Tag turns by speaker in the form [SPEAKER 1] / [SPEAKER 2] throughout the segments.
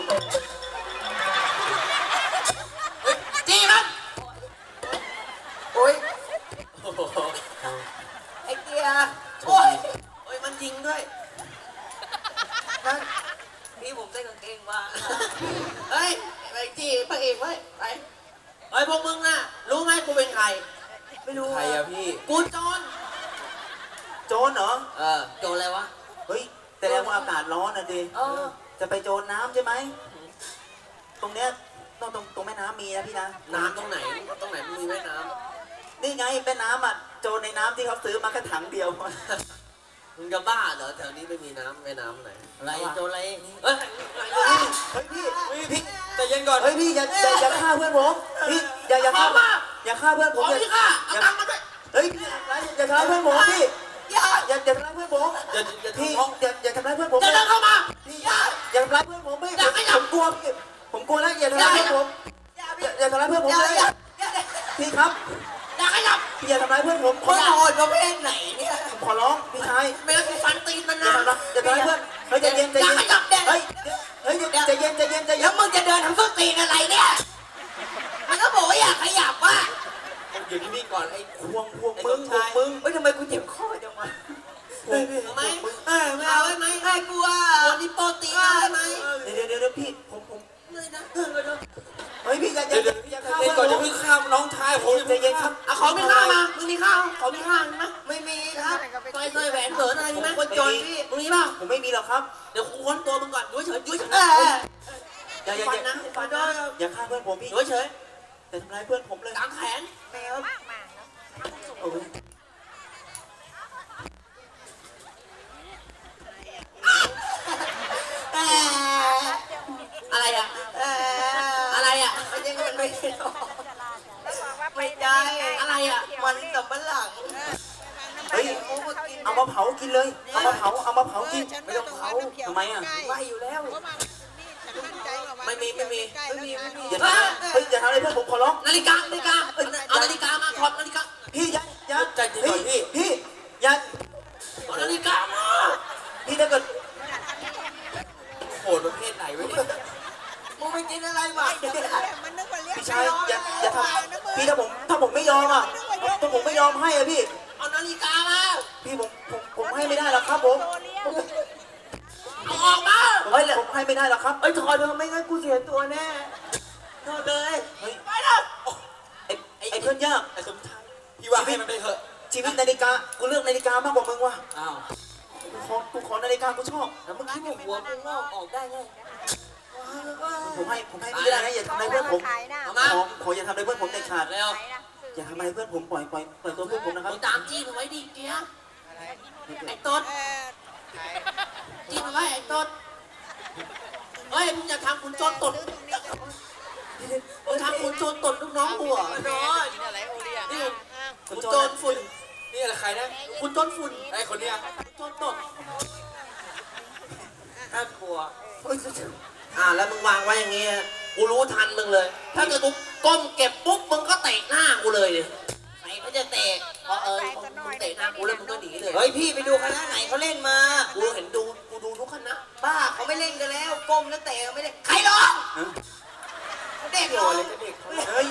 [SPEAKER 1] จี้มันโอ้ยไอ้เกียร์โอ้ยมันยิงด้วยนั่นพี่ผมใส่กางเกงมาเฮ้ยไปจี้พระเอกไว้ไปเฮ้ยพวกมึงน่ะรู้ไหมกูเป็นใครไม่รู้ใครอะพี่กูโจรเหรอโจรอะไรวะ
[SPEAKER 2] เฮ้ยแต่แล้วว่าอากาศร้อนนะดิจะไปโจรน้ำใช่ไหมตรงเนี้ยตรงแม่น้ำมีนะพี่นะ
[SPEAKER 1] น้ำตรงไหนมีแม่น้
[SPEAKER 2] ำนี่ไงแม่น้ำอ่ะโจรในน้ำที่เขาซื้อมาแค่ถังเดียว
[SPEAKER 1] มึงจะบ้าเหรอแถวนี้ไม่มีน้ำแม่น้ำไหนอะไรโจรอะไร
[SPEAKER 2] เฮ้ยพี่แต่ยังก่อนเฮ้ยพี่อย่าฆ่าเพื่อนผมพี่อย่าฆ่าเพื่อนผมอย่าฆ่ามาด้วยเฮ้ยอย่าทำร้ายเพื่อนผมพี่อย่าทำร้ายเพื่อนผมพี่อย่าทำร้ายเพื่อนผม
[SPEAKER 1] จะเดินเข้ามา
[SPEAKER 2] อย่าทำร้ายเพื่อนผมพี่ผมกลัวแล้วอย่าทำร้ายเพื่อนผมอย่าทำร้ายเพื่อนผมเลยพี่ครับ
[SPEAKER 1] อย่าขยับ
[SPEAKER 2] พี่อย่าทำร้ายเพื่อนผม
[SPEAKER 1] ขอร้องประเภทไหนเนี่ย
[SPEAKER 2] ขอร้องพี่ชาย
[SPEAKER 1] ไม่งั้นกูฟันตีนมันนะ
[SPEAKER 2] อย่าทำร้ายเพื่อนเฮ้ยใจเย็น
[SPEAKER 1] อย่าขยับเฮ้
[SPEAKER 2] ยใจเย็น
[SPEAKER 1] แล้วมึงจะเดินทำส้นตีนอะไรเนี่ยมันก็บอกว่าอย่าขยับว่ะ
[SPEAKER 2] อยู่ที่นี่ก่อนไอ้ควง
[SPEAKER 1] มึงไม่ทำไมกูเจ็บคอจังวะไม่เอาไหมให้กูอ่ะคนที่โปรตีนได้ไหม
[SPEAKER 2] เดี๋ยวพี่ผม
[SPEAKER 1] เลยนะ
[SPEAKER 2] เฮ้ยพี่อย่า
[SPEAKER 1] ฆ่าก่อนจะพึ่งฆ่าน้องชายผม
[SPEAKER 2] ใจเย็นครับ
[SPEAKER 1] ขอไม่ฆ่ามามึงมีข้าวขอมีข้าวไหมไม่มีครับสร้อยแหวนเถินอะไรมีไหมคนจนพี่มึงมีเปล่า
[SPEAKER 2] ผมไม่มีหรอกครับ
[SPEAKER 1] เดี๋ยวกูค้นตัวมึงก่อนยุ่ยเฉย
[SPEAKER 2] อย่าฆ่าเพื่อนผมพี่
[SPEAKER 1] ยุ่ยเฉย
[SPEAKER 2] อย่าทำร้ายเพื่อนผมเลย
[SPEAKER 1] กางแขนแมวอะไรอ่ะอะไรอ่ะไม่ใช่ไม่ได้อะไรอ่ะมันสับปะหลัง
[SPEAKER 2] เฮ้ยเอามาเผากินเลยเอามาเผากิน
[SPEAKER 1] ไม่ต้องเผา
[SPEAKER 2] ทำไมอ่ะ
[SPEAKER 1] ไหวอยู่แล้วไม่มี
[SPEAKER 2] อย่าทำอะไรเพื่อนผมขอร้อง
[SPEAKER 1] นาฬิกาเอานาฬิกามาถอดนาฬิกา
[SPEAKER 2] พี่อย่า
[SPEAKER 1] ใจเย็น
[SPEAKER 2] พี่อย่า
[SPEAKER 1] ถอดนาฬิกามา
[SPEAKER 2] พี่ถ้าเกิด
[SPEAKER 1] โหดประเภทไหนวะเนี่ยมึงไปกินอะไรมา
[SPEAKER 2] พี่ชายอย่าทำพี่ถ้าผมไม่ยอมอ่ะถ้าผมไม่ยอมให้อ่ะพี่
[SPEAKER 1] เอานาฬิกามา
[SPEAKER 2] พี่ผมให้ไม่ได้หรอกครับผม
[SPEAKER 1] เอาออกมา
[SPEAKER 2] ผมให้ไม่ได้หรอกครับ
[SPEAKER 1] ถอดเถอะไม่งั้นกูเสียตัวแน่ถอดเลยไปนะ
[SPEAKER 2] ไอ้เพื่อนยาก
[SPEAKER 1] ไอ้สมชายพี่ว่าให้มันไปเถอะ
[SPEAKER 2] ชีวิตนาฬิกากูเลือกนาฬิกามากกว่ามึงว่ะ
[SPEAKER 1] อ้าว
[SPEAKER 2] กูขอนาฬิกากูชอบ
[SPEAKER 1] แล้วมึงคิดว่าหัวมึงงอกออกได้ไง
[SPEAKER 2] ผมให้ไม่ได้นะอย่าทำอะไรเพื่อนผมขออย่าทำอะไรเพื่อนผมเด็ดขาด
[SPEAKER 1] แล้ว
[SPEAKER 2] อย่าทำอะไรเพื่อนผมปล่อยตัวเพื่อนผมนะครับ
[SPEAKER 1] ตามจี้มันไว้ดิเกียร์ไอ้ต้นจี้มันไว้ไอ้ต้นเฮ้ยมึงอย่าทำคุณโจรตดมึงทำคุณโจรตดลูกน้องหัวน้อยนี่คุณโจรฝุ่นนี่อะไรใครนะคุณโจรฝุ่นไอ้คนเนี้ยโจรตดน่ากลัวแล้วมึงวางไว้อย่างเงี้ยกูรู้ทันมึงเลยถ้าเกิดกูก้มเก็บปุ๊บมึงก็เตะหน้ากูเลยดิไหนเขาจะเตะพอมึงเตะหน้ากูแล้วมึงก็หนีเลยเฮ้ยพี่ไปดูคณะไหนเขาเล่นมากูเห็นกูดูทุกคณะบ้าเขาไม่เล่นกันแล้วก้มแล้วเตะไม่เล่นใครร้องเด็กร้อง
[SPEAKER 2] เฮ้ย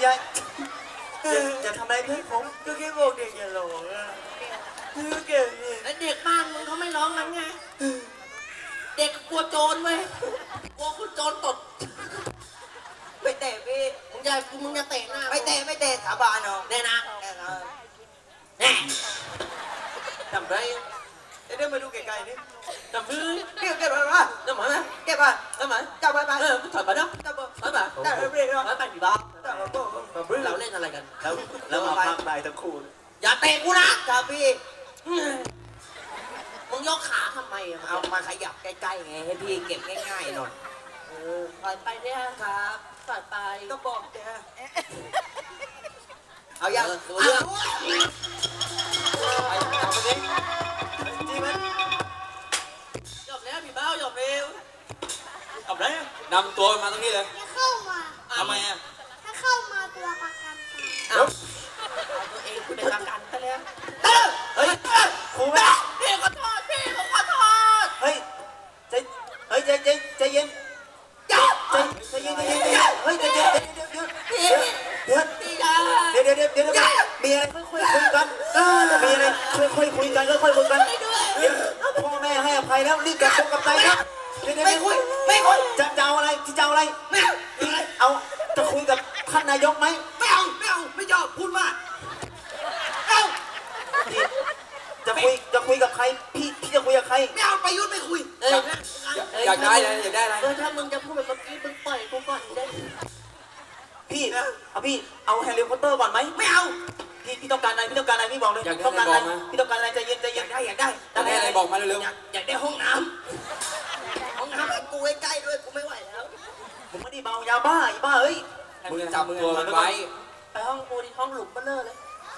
[SPEAKER 2] อย่าทำอะไรเพื่อนผม
[SPEAKER 1] ก็แค่บอกเด็กอย่าร้องเก่งแล้วเด็กบ้านมึงเขาไม่ร้องกันไงเด็กกลัวโจรเว้ยกลัวคุณโจรตดไม่เตะพี่มึงจะเตะหน้าไม่เตะสาบานเนาะแน่นะแน่จำได้เดี๋ยวมาดูไกลๆนี่จำพื้นเก็บไปป่ะจำไหมเก็บไปจำไหมจับไปถอยไปนะจับไปจับไปผีบ้าเราเล่นอะไรกัน
[SPEAKER 2] แล้วมาพักได้ทั้งคู่
[SPEAKER 1] อย่าเตะกูนะจับพี่มึงยกขาทำไมเอามาขยับใกล้ๆไงให้พี่เก็บง่ายๆหน่อยปล่อยไปเนี่ยครับปล่อยไปก็บอกเนี่ยเอาอย่างตัวเรื่องไปจับไปดิจีมันหยบแล้วพี่เบ้าหยบเร็วหยบแล้วนำตัวมาตรงนี้เลย
[SPEAKER 3] เข้ามา
[SPEAKER 1] ทำไมอ่ะ
[SPEAKER 3] ถ้าเข้ามาตัวประกัน
[SPEAKER 1] เอาตัวเองคุณเป็นประกันไปแล้วเฮ้ยครูแม่พี่ขอโทษเฮ้ยใจเย็น
[SPEAKER 2] ออะไร
[SPEAKER 1] ไม่เอาอะไร
[SPEAKER 2] เอาจะคุยกับท่านนายกไหม
[SPEAKER 1] ไม่เอาไม่ยอมพูดมากเอา
[SPEAKER 2] พี่จะคุยกับใครพี่จะคุยกับใคร
[SPEAKER 1] ไม่เอาประยุทธ์ไม่คุย
[SPEAKER 4] อยากได้อะไรอยากได้อะไร
[SPEAKER 1] ถ้ามึงจะพูดแบบเมื่อกี้มึงปล่อยกูก่อนได้
[SPEAKER 2] พี่เอาแฮร์รี่พอตเตอร์ก่อนไหม
[SPEAKER 1] ไม่เอา
[SPEAKER 2] พี่ต้องการอะไรพี่บอกเลยต้องการอะไรพี่ต้องการอะไรใจเย็น
[SPEAKER 1] อยากได้
[SPEAKER 4] อยากได้อะไรบอกมาเร็ว
[SPEAKER 1] อยากได้ห้องน้ำให้กูใกล้ๆด้วยกูไม่ไหวแล้ว
[SPEAKER 2] ผมไม่ได้เมายาบ้าอีบ้าเอ้ย
[SPEAKER 4] ๆมึงจับตัวมันไว้
[SPEAKER 1] ไปห้องกูดิห้องหลุมเบลเลอร์เลย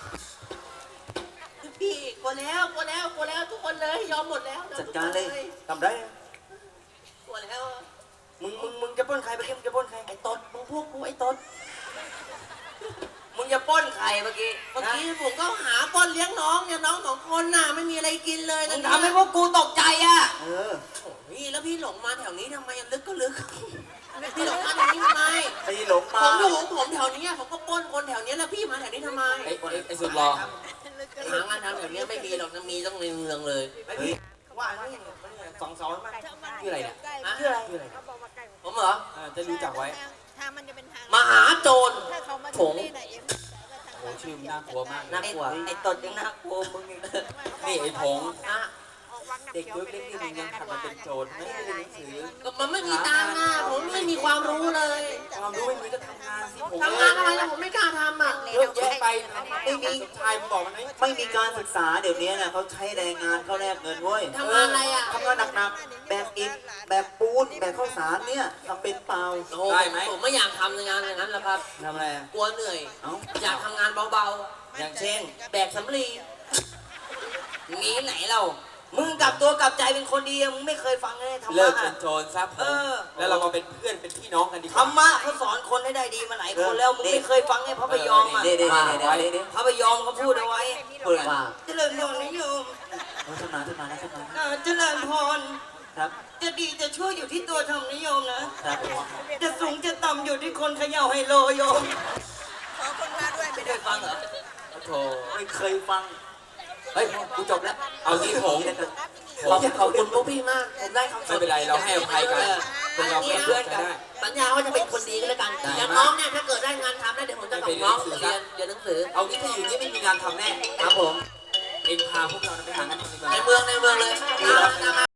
[SPEAKER 1] พี่กลัวแล้วทุกคนเลยยอมหมดแล้ว
[SPEAKER 2] จัดการเลยทำได้
[SPEAKER 1] กลัวแล้ว
[SPEAKER 2] มึงจะปล้นใครไปมึงจะปล้นใคร
[SPEAKER 1] ไอ้ตดมึงพวกกูไอ้ตดมึงจะป้นใครเมื่อกี้ผมก็หาป้นเลี้ยงน้องเนี่ยน้อง2 คนน่ะไม่มีอะไรกินเลยมึงทำให้พวกกูตกใจอ่ะ พี่แล้วพี่หลงมาแถวนี้ทำไมลึกก็ลึกพี่หลงมาแถวนี้ทำไม
[SPEAKER 2] ไอ้หลงมา
[SPEAKER 1] ผมอยู่ของผมแถวนี้ผมก็ปล้นคนแถวนี้แล้วพี่มาแถวนี้ทำไม
[SPEAKER 4] ไอ้สุดรอ
[SPEAKER 1] หางานทำแถวนี้ไม่มีหรอกนะมีต้องในเมืองเลย
[SPEAKER 2] ว่านี่สองมา
[SPEAKER 4] ชื่ออะไรเนี่ย
[SPEAKER 1] ชื่ออะไรผมเหรอ
[SPEAKER 4] จะรู้จักไว้
[SPEAKER 3] ทางมันจะเป็นทาง
[SPEAKER 1] มหาโจร
[SPEAKER 3] ถ้าเขามา
[SPEAKER 1] ผง
[SPEAKER 3] ที่ไหนเอ็ม
[SPEAKER 4] โอ้ชื่อมันน่ากลัวมาก
[SPEAKER 1] น่ากลัวไอ้ตดยังน่ากลัวมึงอีก
[SPEAKER 4] นี่ไอ้ผง
[SPEAKER 1] นะ
[SPEAKER 4] เด็กเล็กๆนี่มึงยังทำมันเป็นโจรไม่ได้เรียนหนังสือ
[SPEAKER 1] ก็มันไม่มีตังค์นะผมไม่มีความรู้เลย
[SPEAKER 4] ความรู้ไม่มีก็ทำงานสิผม
[SPEAKER 1] ทำงานอะไรล่ะผมไม่กล้าทำอ่ะ
[SPEAKER 4] เยอะแยะไปไม่มีสมชายมึงบอกมันไหม
[SPEAKER 2] ไม่มีการศึกษาเดี๋ยวนี้นะเขาใช้แรงงานเขาแลกเงินเว้ย
[SPEAKER 1] ทำงานอะไรอ่ะ
[SPEAKER 2] ทำงานหนักๆแบกอิฐแบกปูนแบกข้าวสารเนี่ยทำเป็นเปล่า
[SPEAKER 1] โอ้โหผมไม่อยากทำงานอย่างนั้นหรอกครับ
[SPEAKER 4] ทำอะไร
[SPEAKER 1] กลัวเหนื่อย
[SPEAKER 2] เอ้า
[SPEAKER 1] อยากทำงานเบา
[SPEAKER 4] อย่างเช่น
[SPEAKER 1] ๆ แบกสำลีมีไหนเรา มึงกลับตัวกลับใจเป็นคนดีมึงไม่เคยฟังเลยธรร
[SPEAKER 4] เลิ
[SPEAKER 1] มะ
[SPEAKER 4] กเป็นโจรซะผมแล้วเรามาเป็นเพื่อนเป็นพี่น้องกันดีก
[SPEAKER 1] ธร
[SPEAKER 4] ว่าร
[SPEAKER 1] มะเขาสอนคนให้ได้ดีมาหลายคนแล้วมึงไม่เคยฟังไงพระพยอมอ่ะ
[SPEAKER 2] เดี๋ยว
[SPEAKER 1] พระพยอมเขาพูดเอาไว้
[SPEAKER 2] เปิดว่า
[SPEAKER 1] เจริญพรนิยม
[SPEAKER 2] ขึ้นมานะ
[SPEAKER 1] เจริญพร
[SPEAKER 2] ครับ
[SPEAKER 1] จะดีจะชั่วอยู่ที่ตัวธรรมนิยมนะครับ
[SPEAKER 2] ผม
[SPEAKER 1] จะสูงจะต่ำอยู่ที่คนเขย่าไฮโลโยม
[SPEAKER 3] ขอคนมาด้วยไม่
[SPEAKER 1] ไม่
[SPEAKER 3] ได้
[SPEAKER 1] ได้ฟังเหรอ
[SPEAKER 4] โถ
[SPEAKER 2] ไม่เคยฟัง
[SPEAKER 4] เฮ้ยกูจบแล้วเอาที่ผง
[SPEAKER 1] ขอบคุณพวกพี่มาก ผมได้คำส
[SPEAKER 4] ไม่เป็นไรเราให้อภัยกันเป็นเราเป็นเพื่อนกันได้
[SPEAKER 1] สัญญาว่าจะเป็นคนดีกันแล้วกัน
[SPEAKER 4] ได้
[SPEAKER 1] อย่างน้องเนี่ยถ้าเกิดได้งานทำแล้วเดี๋ยวผมจะส่งน้องเรียนหนังสือ
[SPEAKER 4] เอางี้ถ้าอยู่นี่ไม่มีงานทำแน่
[SPEAKER 1] ครับผม
[SPEAKER 4] เองพาพวกเราไปหางานทำดีกว่า
[SPEAKER 1] ในเมืองเลย